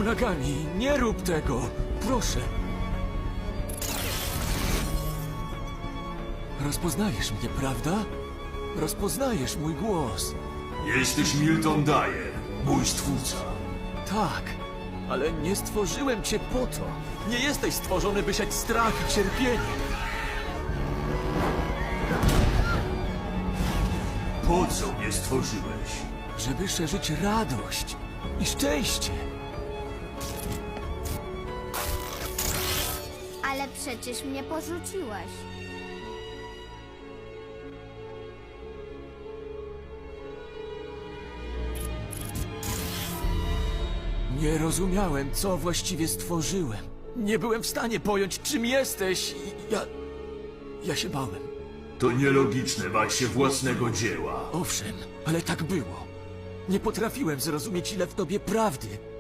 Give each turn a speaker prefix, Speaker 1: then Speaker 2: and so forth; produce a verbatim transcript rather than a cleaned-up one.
Speaker 1: Uragani, nie rób tego! Proszę! Rozpoznajesz mnie, prawda? Rozpoznajesz mój głos.
Speaker 2: Jesteś Milton Dyer, mój stwórca.
Speaker 1: Tak, ale nie stworzyłem cię po to. Nie jesteś stworzony, by siać strach i cierpienie.
Speaker 2: Po co mnie stworzyłeś?
Speaker 1: Żeby szerzyć radość i szczęście.
Speaker 3: Ale przecież mnie porzuciłeś.
Speaker 1: Nie rozumiałem, co właściwie stworzyłem. Nie byłem w stanie pojąć, czym jesteś i ja... Ja się bałem.
Speaker 2: To nielogiczne bać się własnego dzieła.
Speaker 1: Owszem, ale tak było. Nie potrafiłem zrozumieć, ile w tobie prawdy,